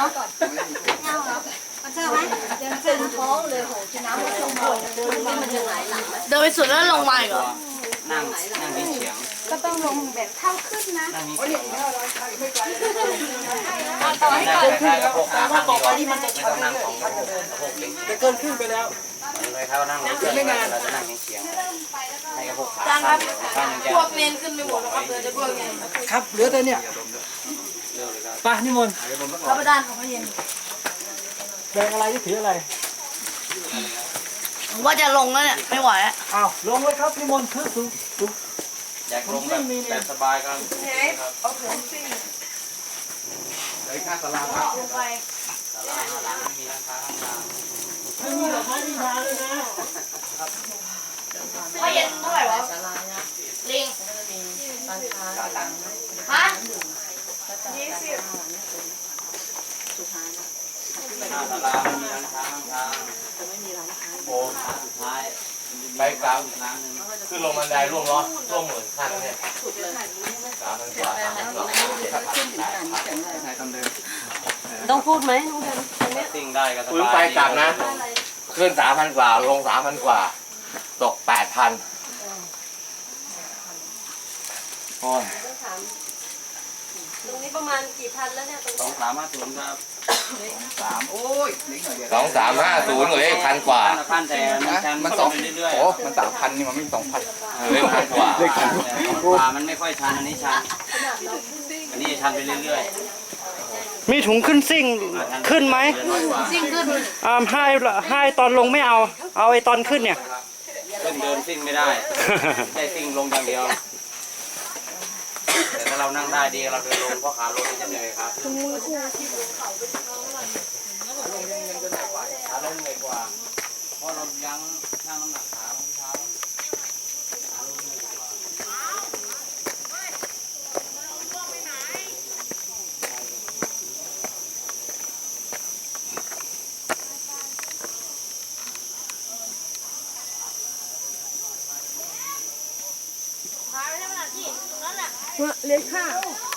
นาะเอามันเจอไหมยังเจอท้องเลยโหกินน้ำแล้วลงมามันจะไหลหลังเดินไปสุดแล้วลงมาอีกเหรอนั่งเฉียงก็ต้องลงแบบเท่าขึ้นนะนั่งเฉียงต่อให้ก่อนแต่ว่าต่อไปนี่มันจะชันเรื่อยๆจะเกินครึ่งไปแล้วเลยเขานั่งไม่นานเราจะนั่งเฉียงให้กระพกขาจ้างครับพวกเน้นขึ้นไปหมดแล้วครับเหลือจะพวกเน้นครับเหลือแต่เนี่ยไปนิมนต์พระประธานของพระเย็นแบงอะไรที่ถืออะไรว่าจะลงแล้วเนี่ยไม่ไหวอ่ะอ้าวลงเลยครับนิมนต์ถือสูงอยากลงแบบสบายกันเอาถุงซิ่งเลยค่าสลาครับลงไปสลาหลังมีร้านค้าไม่มีหรอกไม่มีทางเลยนะพระเย็นเท่าไหร่วะลิงฮะ20 หน้าสลามีร้านค้าข้างๆจะไม่มีร้านค้าโอ้สุดท้ายไปกลางอีกร้านนึงคือลงบันไดร่วมหมื่นขั้นเนี่ย3,000 กว่าต้องพูดไหมลุงเดินซิ่งได้ก็สบายคุณไปกลับนะขึ้น 3,000 กว่าลง 3,000 กว่าตก 8,000โอ้ยตรงนี้ประมาณกี่พันแล้วเนี่ยตรงนี้ 2350ครับ 2350เลย1,000 กว่าพันแต่มัน2เรื่อยๆโอ้มัน 3,000 นี่มันไม่ 2,000เลย1,000 กว่ามันไม่ค่อยชันอันนี้ชันอันนี้ชันไปเรื่อยมีถุงขึ้นซิ่งขึ้นไหมซิ่งขึ้นให้ตอนลงไม่เอาไอ้ตอนขึ้นเนี่ยขึ้นเดินซิ่งไม่ได้ได้ซิ่งลงอย่างเดียวแต่ถ้าเรานั่งได้ดีเราเดินลงเพราะขาลงจะเหนื่อยครับขาลงเหนื่อยกว่าเพราะเรายังนั่งน้ำหนักขาลงเท้าขาลงเหนื่อยกว่าเลยค่ะ